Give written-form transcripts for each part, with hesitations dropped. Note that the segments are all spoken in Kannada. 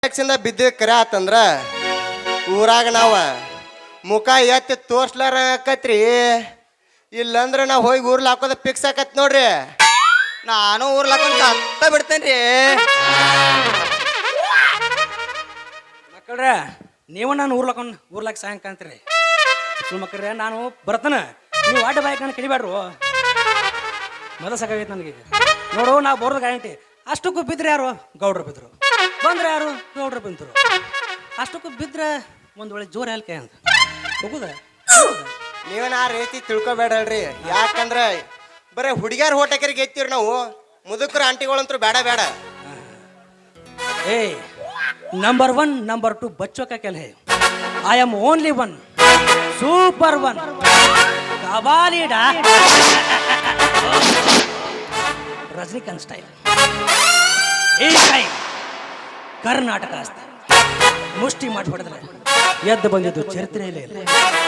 ಟ್ಯಾಕ್ಸಿಂದ ಬಿದ್ದ ಕರೆ ಆತಂದ್ರ ಊರಾಗ ನಾವ ಮುಖ ಎತ್ತಿ ತೋರ್ಸ್ಲಾರ ಆಕತ್ರಿ. ಇಲ್ಲಂದ್ರ ನಾವು ಹೋಗಿ ಊರ್ಲ ಹಾಕೋದ ಫಿಕ್ಸ್ ಆಕತ್ ನೋಡ್ರಿ. ನಾನು ಊರ್ಲಾಕೊಂಡ್ ಅತ್ತ ಬಿಡ್ತೇನ್ರಿ. ಮಕ್ಕಳ್ರೆ ನೀವು ನಾನು ಊರ್ಲಾಕ ಸಾಯಂಕ ಅಂತೀರಿ. ಸುಳ್ಳು ಮಕ್ಕಳ್ರೆ ನಾನು ಬರ್ತಾನ, ನೀವು ಅಡ್ಡ ಬಾಯ್ಕ ನಾನು ಕಡಿಬೇಡ್ರು. ಮೊದಲು ಸಾಕಾಗೈತೆ ನನಗೆ. ನೋಡು ನಾವು ಬರೋದು ಗ್ಯಾರಂಟಿ. ಅಷ್ಟಕ್ಕೂ ಬಿದ್ದರೆ ಯಾರು? ಗೌಡ್ರು ಬಿದ್ದರು. ಬಂದ್ರೆ ಯಾರು? ಗೌಡ್ರು ಬಂದರು. ಅಷ್ಟಕ್ಕೂ ಬಿದ್ದರೆ ಒಂದು ಒಳ್ಳೆ ಜೋರು ಹೇಳ್ಕೆ ಅಂತ ಹೋಗುದ. ನೀವೇನ ಆ ರೀತಿ ತಿಳ್ಕೊಬೇಡಲ್ರಿ. ಯಾಕಂದ್ರ ಬರೀ ಹುಡುಗಿಯರ್ ಹೋಟಕರಿಗೆ ಎತ್ತೀವ್ರಿ ನಾವು. ಮುದುಕರು ಆಂಟಿಗಳಂತೂ ಬೇಡ ಬೇಡ. ಏಯ್ ನಂಬರ್ 1 ನಂಬರ್ 2 बच्चों का खेल है. आई एम ओनली 1 सुपर 1 कबालीडा रजनीकांत स्टाइल. ಈ ಟೈಮ್ ಕರ್ನಾಟಕ ಅಷ್ಟೇ ಮುಷ್ಟಿ ಮಾಡಿ ಹೊಡೆದ್ರೆ ಎದ್ದು ಬಂದಿದ್ದು ಚರಿತ್ರೆಯಲ್ಲೇ ಇಲ್ಲ.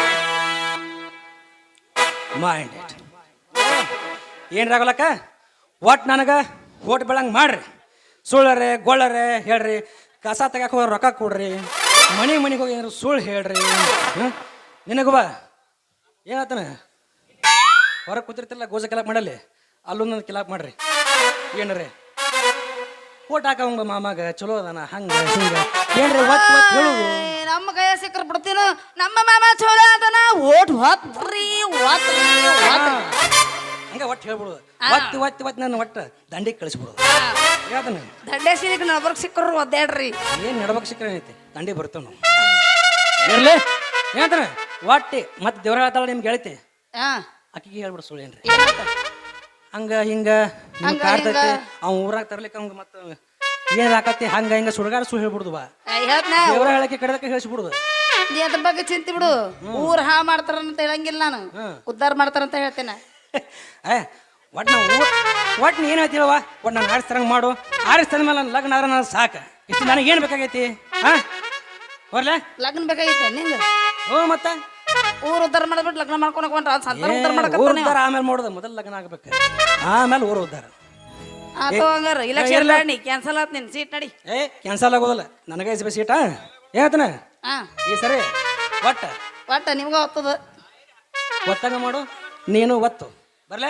Mind it. ಏನ್ರಾಗಲಕ್ಕ ಒಟ್ಟು ನನಗೆ ಓಟ್ ಬೆಳಂಗೆ ಮಾಡ್ರಿ. ಸುಳ್ಳರೆ ಗೊಳ್ಳರೆ ಹೇಳ್ರಿ, ಕಸ ತೆಗಕ್ಕೆ ಹೋಗಿ ರೊಕ್ಕ ಕೊಡ್ರಿ, ಮನೆಗೆ ಹೋಗಿ ಏನಾರು ಸುಳ್ಳು ಹೇಳ್ರಿ. ನಿನಗುವ ಏನಾತನ ಹೊರಗೆ ಕೂತಿರ್ತಿಲ್ಲ ಗೋಜ ಕಿಲಾಪ್ ಮಾಡಲ್ಲಿ, ಅಲ್ಲೂ ನನ್ನ ಕಿಲಾಪ್ ಮಾಡ್ರಿ. ಏನ್ರಿ ಓಟ್ ಹಾಕವಂಗ ಮಾಮಾಗ ಚಲೋ ಅದಾನ ಹಂಗ ಹಿಂಗ ಏನ್ರಿ ಒತ್ತು ಹೇಳುದು. ನಮ್ಮ ಕೈಯ ಸಿಕ್ಕರ್ ಬಿಡ್ತೀನು. ನಮ್ಮ ಮಾಮ ಚಲೋ ಅದನ ಓಟ್ ಹೊತ್ರಿ ಹಂಗ ಒಟ್ಟು ಹೇಳ್ಬಿಡುದು. ಒತ್ತಿ ನಾನು ಒಟ್ಟು ದಂಡಿಗೆ ಕಳಿಸ್ಬಿಡುದು. ಯಾವ್ದನ ದಂಡೇಶಿಗೆ ನಬರ್ಗ್ ಸಿಕ್ಕರು ಒದ್ದಾಡ್ರಿ. ಏನು ನಡ್ಬೇಕು ಸಿಕ್ಕರೆ ಐತಿ ದಂಡಿ ಬರ್ತೇವೆ ನಾವು. ಇರ್ಲಿ ಏನಂತಾನೆ ಒಟ್ಟಿ ಮತ್ತೆ ದೇವ್ರ ಹೇಳ್ತಾಳ ನಿಮ್ಗೆ ಹೇಳ್ತಿ ಅಕ್ಕಿಗೆ ಹೇಳ್ಬಿಡು ಸುಳ್ಳು ಏನ್ರಿ ಹಂಗ ಹಿಂಗ ಕಾಡ್ತೈತಿ. ಅವ್ನ ಊರಾಗ ತರ್ಲಿಕ್ಕೆ ಅವಂಗ ಮತ್ತೆ ಏನ್ ಹಾಕತಿ ಹಂಗ ಹಿಂಗ ಸುಡ್ಗಾಡ ಸುಳ್ಳು ಹೇಳ್ಬಿಡುದು. ಬಾ ದೇವ್ರ ಹೇಳಕ್ಕೆ ಕಡೆದಕ್ಕೆ ಹೇಳಿಸ್ಬಿಡುದು. ಅದ್ರ ಬಗ್ಗೆ ಚಿಂತೆ ಬಿಡು. ಊರ್ ಹಾ ಮಾಡ್ತಾರಂತ ಹೇಳಂಗಿಲ್ಲ, ನಾನು ಉದ್ಧಾರ ಮಾಡ್ತಾರಂತ ಹೇಳ್ತೇನೆ. ಒಟ್ಟು ನಾವು ಒಟ್ಟು ನೀನು ಹೇಳ್ತೀವವ ಒಟ್ಟು ನಾನು ಆರಿಸ್ತರಂಗೆ ಮಾಡು. ಆರಿಸ್ತದ ಮೇಲೆ ನನ್ನ ಲಗ್ನ ಆದ್ರೆ ನಾನು ಸಾಕು. ಇಷ್ಟು ನನಗೆ ಏನು ಬೇಕಾಗೈತಿ? ಹಾಂ ಬರ್ಲೆ ಲಗ್ನ ಬೇಕಾಗೈತೆ ನಿಂಗೆ? ಹ್ಞೂ ಮತ್ತೆ ಊರ್ ಉದ್ಧಾರ ಮಾಡ್ಬಿಟ್ಟು ಲಗ್ನ ಮಾಡ್ಕೊಳಕ್ ಹೊಂಟ್ರ ಸಂತಾನ ಉದ್ಧಾರ ಊರ್ ಮಾಡಕ ಉದ್ಧಾರ ಆಮೇಲೆ ಮಾಡೋದು. ಮೊದಲು ಲಗ್ನ ಆಗ್ಬೇಕು, ಆಮೇಲೆ ಊರು ಉದ್ಧಾರ. ಆತೋ ಹಂಗಾರ ಇಲೆಕ್ಷನ್ ಮಾಡಿ ಕ್ಯಾನ್ಸಲ್ ಆತ್ ನಿನ್ ಸೀಟ್ ನಡಿ. ಕ್ಯಾನ್ಸಲ್ ಆಗೋದಲ್ಲ ನನಗೆ ಸೀಟಾ ಹೇಳ್ತಾನೆ ಈ ಸರಿ ಒಟ್ಟ ನಿಮ್ಗ ಒತ್ತದ ಒತ್ತಂಗ ಮಾಡು. ನೀನು ಒತ್ತು ಬರ್ಲೆ.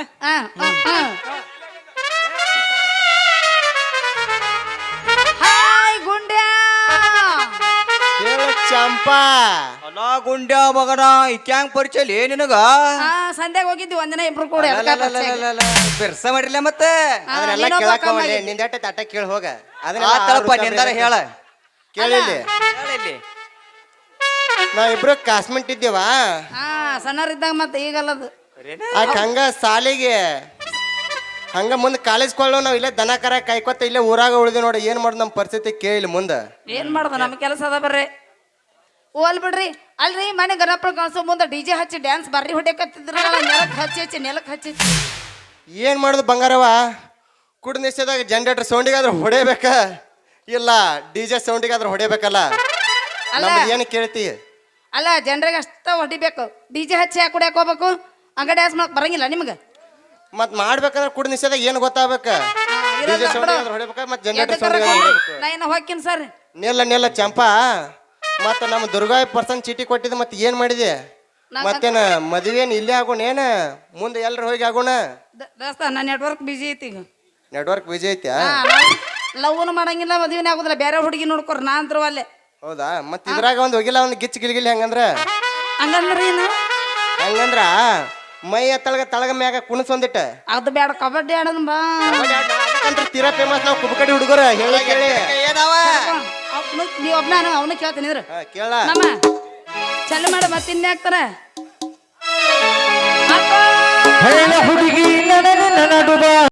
ಹಾಯ್ ಗುಂಡ್ಯಾ ಚಂಪಾ ಅಲ್ಲ ಗುಂಡ್ಯಾ ಮಗನ ಇಕ್ಯಾಂಗ್ ಪರಿಚಯ ಲೇ ನಿನಗ? ಸಂಧ್ಯಾಗ ಹೋಗಿದ್ವಿ ಒಂದಿನ ಇಬ್ರು ಕೂಡ. ಬಿರ್ಸ ಮಾಡಿರ್ಲ ಮತ್ತೆ ಅದನ್ನೆಲ್ಲ ಕೇಳಾಕವಲ್ಲಿ ನಿಂದೆಟ್ಟ ತಟ್ಟ ಕೇಳಿ ಹೋಗ. ತಳಪ್ಪ ನಿಂದಾರ ಹೇಳ ಕೇಳಿಲ್ಲಿ ನಾವ್ ಇಬ್ರು ಕ್ಲಾಸ್ಮೇಟ್ ಇದ್ದೇವ. ಸಣ್ಣರಿದ್ದಾಗ ಮತ್ತೆ ಈಗಲ್ಲದು ಹಂಗ ಸಾಲಿಗೆ ಹಂಗ ಮುಂದೆ ಕಾಲೇಜ್ ಕೊಳ್ಳೋ ನಾವ್ ಇಲ್ಲೇ ದನ ಕರ ಕಾಯ್ಕೊತ ಇಲ್ಲೇ ಊರಾಗ ಉಳಿದಿ ನೋಡಿ. ಏನ್ ಮಾಡೋದು ನಮ್ಮ ಪರಿಸ್ಥಿತಿ ಕೇಳಿ ಮುಂದೆ ಏನ್ ಮಾಡೋದು ನಮ್ ಕೆಲಸ ಅದ ಬರ್ರಿ. ಓಲ್ ಬಿಡ್ರಿ. ಅಲ್ರಿ ಮನೆ ಗಣಪನ ಕಳ್ಸೋ ಮುಂದೆ ಡಿಜೆ ಹಚ್ಚಿ ಡ್ಯಾನ್ಸ್ ಬರ್ರಿ ಹೊಡ್ಯಾಕತ್ತಿದ್ರಲ್ಲ, ನೆಲಕ್ಕೆ ಹಚ್ಚಿ ಏನ್ ಮಾಡುದು ಬಂಗಾರವ? ಕುಡ್ ನಿಶ್ಚಯದಾಗ ಜನರೇಟರ್ ಸೌಂಡಿಗಾದ್ರೆ ಹೊಡಿಬೇಕ, ಇಲ್ಲ ಡಿಜೆ ಸೌಂಡಿಗಾದ್ರೆ ಹೊಡಿಬೇಕಲ್ಲ. ಏನು ಕೇಳ್ತಿ? ಅಲ್ಲ ಜನರಿಗೆ ಅಷ್ಟ ಹೊಡಿಬೇಕು. ಡಿಜೆ ಹಚ್ಚಿ ಯಾಕೆ ಕುಡಿಯಾಕ ಹೋಗ್ಬೇಕು? ಹಂಗ ಡ್ಯಾನ್ಸ್ ಮಾಡಕ್ ಬರಂಗಿಲ್ಲ ನಿಮ್ಗೆ? ಮತ್ ಮಾಡ್ಬೇಕಂದ್ರೆ ಕುಡ್ ನಿಶ್ಚಯದಾಗ ಏನ್ ಗೊತ್ತಾಗಬೇಕ? ಡಿಜೆ ಸೌಂಡಿಗಾದ್ರೆ ಹೊಡಿಬೇಕ, ಮತ್ ಜನರೇಟರ್ ಸೌಂಡಿಗಾದ್ರೆ ಹೊಡಿಬೇಕು. ನಾ ಇನ್ನ ಹೋಗ್ತೀನಿ ಸರ್. ನೆಲ್ಲ ಚಂಪಾ, ಮತ್ತ ನಮ್ಮ ದುರ್ಗಾಯಿ ಪರ್ಸನ್ ಚೀಟಿ ಕೊಟ್ಟಿದ್ದು ಮತ್ತೆ ಏನ್ ಮಾಡಿದೆ? ಮತ್ತೇನ ಮದುವೆನ್ ಇಲ್ಲೇ ಆಗೋಣ ಏನ ಮುಂದೆ ಎಲ್ರು ಹೋಗಿ ಆಗೋಣ? ದೋಸ್ತ ನನ್ನ ನೆಟ್ವರ್ಕ್ ಬಿಜಿ ಐತಿ. ಈಗ ನೆಟ್ವರ್ಕ್ ಬಿಜಿ ಐತ್ಯಾ? ಲವ್ನು ಮಾಡಂಗಿಲ್ಲ, ಮದುವೆನೇ ಆಗುದಿಲ್ಲ. ಬೇರೆ ಹುಡುಗಿ ನೋಡ್ಕೊರ್ ನಾ ಅಂದ್ರು ಅಲ್ಲೇ. ಹೌದಾ? ಮತ್ ಇದ್ರಾಗ ಒಂದ್ ಹೋಗಿಲ್ಲ ಒಂದ್ ಗಿಚ್ ಗಿಲ್ಗಿಲ್ ಹೆಂಗಂದ್ರ ಹಂಗಂದ್ರ ಮೈ ತಳಗ ಮ್ಯಾಗ ಕುಣಸ್ ಒಂದಿಟ್ಟ ಅದು ಬೇಡ. ಕಬಡ್ಡಿ ಆಡೋದು ಬಾ. ತೀರಾ ಫೇಮಸ್ ನಾವು ಕುಬಕಡಿ ಹುಡುಗರು ಹೇಳಿ ಕೇಳಿ ನೀವ್ ಒಬ್ನ ಅವನು ಕೇಳ್ತೀನಿ ಇದ್ರ ಕೇಳ ನಮ್ಮ ಚಲ್ಲ ಮಾಡ ಮತ್ತೆ ಇನ್ನೇ ಆಗ್ತಾರ ಹುಡುಗಿ